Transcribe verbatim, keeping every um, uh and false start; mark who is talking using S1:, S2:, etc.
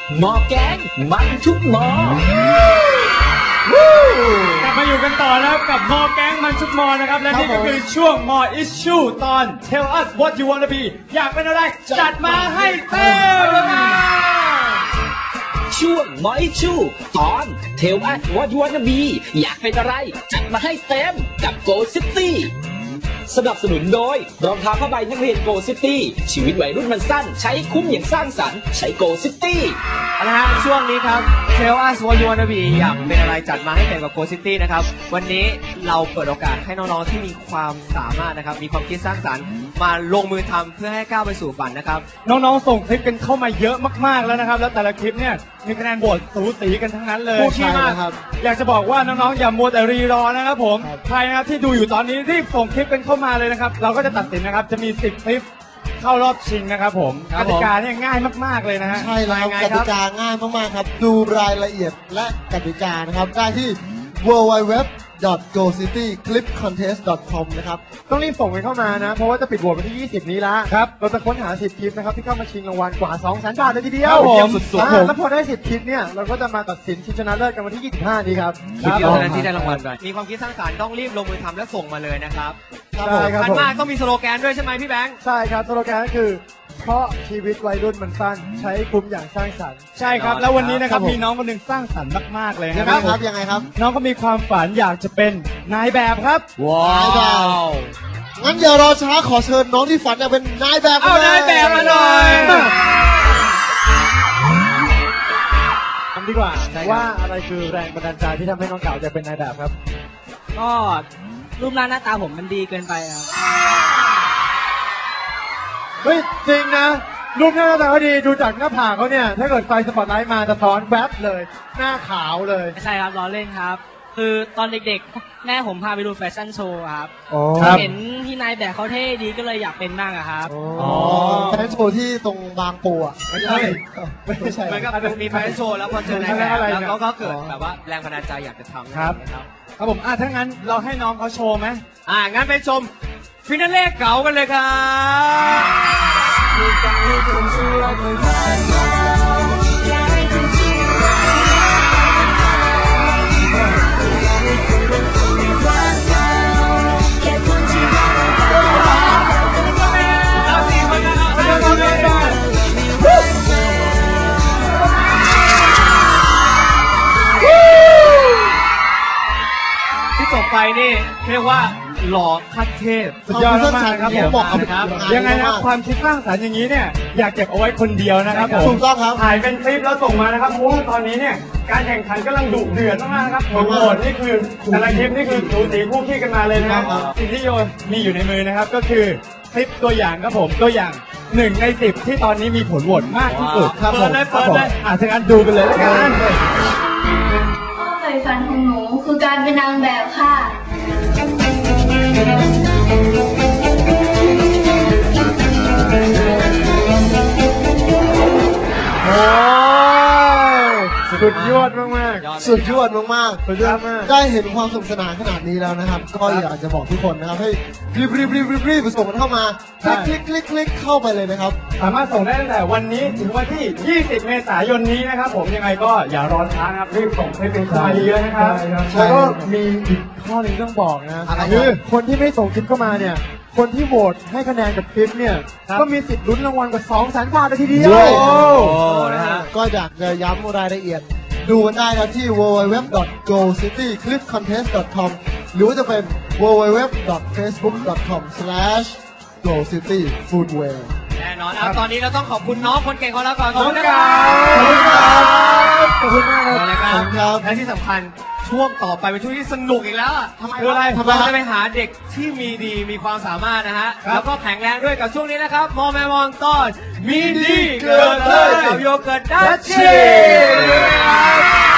S1: หมอแกงมันทุกหมอกลับมาอยู่กันต่อแล้วกับหมอแกงมันทุกหมอนะครับและนี่ก็คือช่วงหมอ issue ตอน tell us what you wanna be อยากเป็นอะไรจัดมาให้เต็มช่วงหมอ issue ตอน tell us what you wanna be อยากเป็นอะไรจัดมาให้เต็มกับ Go City สนับสนุนโดยรองเท้าผ้าใบนักเรียน Go City ชีวิตวัยรุ่นมันสั้นใช้คุ้มอย่างสร้างสรรค์ใช้ Go City
S2: นะฮะช่วงนี้ครับ Tell us what you wanna be อยากเป็นอะไรจัดมาให้เต็มกับ Go City นะครับวันนี้เราเปิดโอกาสให้น้องๆที่มีความสามารถนะครับมีความคิดสร้างสรรค์มาลงมือทำเพื่อให้ก้าวไปสู่ฝันนะครับ
S1: น้องๆส่งคลิปกันเข้ามาเยอะมากๆแล้วนะครับแล้วแต่ละคลิปเนี่ยมีคะแนนโหวตสูสีกันทั้งนั้นเลยใช่มากครับอยากจะบอกว่าน้องๆอย่ามัวแต่รีรอนะครับผมใครนะครับที่ดูอยู่ตอนนี้รีบส่งคลิปกันเข้ามาเลยนะครับเราก็จะตัดสินนะครับจะมีสิบคลิปเข้ารอบชิงนะครับผมกติกาเนี่ยง่ายมากๆเลยนะฮะ
S3: ใช่แล้วกติกาง่ายมากๆครับดูรายละเอียดและกติกานะครับได้ที่ ดับเบิลยู ดับเบิลยู ดับเบิลยู ดอท โก ซิตี้ คลิป คอนเทสต์ ดอท คอม นะครับ
S4: ต้องรีบส่งกันเข้ามานะเพราะว่าจะปิดโหวตวันที่ยี่สิบนี้แล้วครับเราจะค้นหาสิบคลิปนะครับที่เข้ามาชิงรางวัลกว่า สองแสน บาทเลยทีเดียว
S1: ผมสุดๆ
S4: แล้วพอได้สิบคลิปเนี่ยเราก็จะมาตัดสินชิงชนะเลิศกันวันที่ยี่สิบห้านี้ครับ
S2: คลิปเดียวเท่านั้นที่ได้รางวัลไปมีความคิดสร้างสรรค์ต้องรีบลงมือทำและส่งมาเลยนะครับ
S4: ใช่ครับ
S2: ผมมากต้องมีสโลแกนด้วยใช่ไหมพี่แบงค์
S4: ใช่ครับสโลแกนก็คือเพราะชีวิตวัยรุ่นมันสั้นใช้คุ้มอย่างสร้างสรรค์
S1: ใช่ครับแล้ววันนี้นะครับมีน้องคนหนึ่งสร้างสรรค์มากๆเลย
S3: นะครับยังไงครับ
S1: น้องก็มีความฝันอยากจะเป็นนายแบบครับ
S3: ว้าวงั้นอย่ารอช้าขอเชิญน้องที่ฝันอยากเป็นนายแบบ
S2: เอานายแบบมาหน่อย
S4: ทำดีกว่าว่าอะไรคือแรงบันดาลใจที่ทำให้น้องเก่าจะเป็นนายแบบครับ
S5: ก็รูปร่างหน้าตาผมมันดีเกินไปครับ
S4: เฮ้ยจริงนะรูปหน้าตาเขาดีดูจากหน้าผากเขาเนี่ยถ้าเกิดไฟสปอตไลท์มาจะท้อนแวบเลยหน้าขาวเลย
S5: ไม่ใช่ครับล้อเล่นครับคือตอนเด็กๆแม่ผมพาไปดูแฟชั่นโชว์ครับเห็นพี่นายแบบเขาเท่ดีก็เลยอยากเป็นบ้างครับ
S3: อ๋อแฟชั่นโชว์ที่ตรงบางปูอ่ะ
S4: ไม่ใช่
S3: ไม่ใช่
S2: มันก็มีแฟชั่นโชว์แล้วพอเจอนายแบบแล้วก็เกิดแบบว่าแรงบันดาลใจอยากจะทำ
S1: ครับครับผมอ่ะถ้างั้นเราให้น้องเขาโชว์ไหม
S2: อ่ะงั้นไปชมฟินาเล่เก๋ากันเลยครับที่จบไปนี่เรียกว่าหล่อขั้นเทพ
S1: สุดยอดมากครับผมบอกครับยังไงนะความคิดสร้างสรรค์อย่างนี้เนี่ยอยากเก็บเอาไว้คนเดียวนะครับผม
S3: ถูกต้องครับ
S1: ถ่ายเป็นคลิปแล้วส่งมานะครับเพราะว่าตอนนี้เนี่ยการแข่งขันกำลังดุเดือดมากๆนะครับผลโหวตนี่คือแต่ละคลิปนี่คือสูสีคู่ขี้กันมาเลยนะครับสิ่งที่โยมีอยู่ในมือนะครับก็คือคลิปตัวอย่างครับผมตัวอย่างหนึ่งในสิบที่ตอนนี้มีผลโหวตมากที่สุดครับผมอ่ะฉะนั้นดูกันเลยแล้วกัน
S6: ความใฝ่ฝันของหนูคือการเป็นนางแบบค่ะ
S4: โอ้สุดยอดมาก
S3: ๆสุดยอดมากๆสุดยอดมากได้เห็นความสนุกสนานขนาดนี้แล้วนะครับก็อยากจะบอกทุกคนนะครับให้รีบรีบรีบรีบรีบส่งกันเข้ามาคลิกคลิกคลิกคลิกเข้าไปเลยนะครับ
S1: สามารถส่งได้ตั้งแต่วันนี้ถึงวันที่ยี่สิบเมษายนนี้นะครับผมยังไงก็อย่ารอช้านะครับรีบส่งให้เป็นข้อดีเลยนะครับ
S4: แล้วก็มีอีกข้อหนึ่งต้องบอกนะคือคนที่ไม่ส่งคลิปเข้ามาเนี่ยคนที่โหวตให้คะแนนกับคลิปเนี่ยก็มีสิทธิ์ลุ้นรางวัลกว่า สองแสน บาทเลยทีเดียว
S3: นะฮะก็อยากจะย้ำรายละเอียดดูกันได้นะที่ ดับเบิลยู ดับเบิลยู ดับเบิลยู ดอท โก ซิตี้ คลิป คอนเทสต์ ดอท คอม หรือว่าจะเป็น ดับเบิลยู ดับเบิลยู ดับเบิลยู ดอท เฟซบุ๊ก ดอท คอม สแลช โก ซิตี้ ฟู้ดแวร์
S2: แน่นอนครับตอนนี้เราต้องขอบคุณน้องคนเก่งของเราก่อนขอบคุณครั
S4: บขอบคุณมาก
S2: ครับและที่สำคัญช่วงต่อไปเป็นช่วงที่สนุกอีกแล้วอ่ะทำไมอะไรทำไมจะไปหาเด็กที่มีดีมีความสามารถนะฮะแล้วก็แข็งแรงด้วยกับช่วงนี้นะครับมอแมมอนตอนมีดีเกิดเลยกับโยเกิร์ตดัชชี่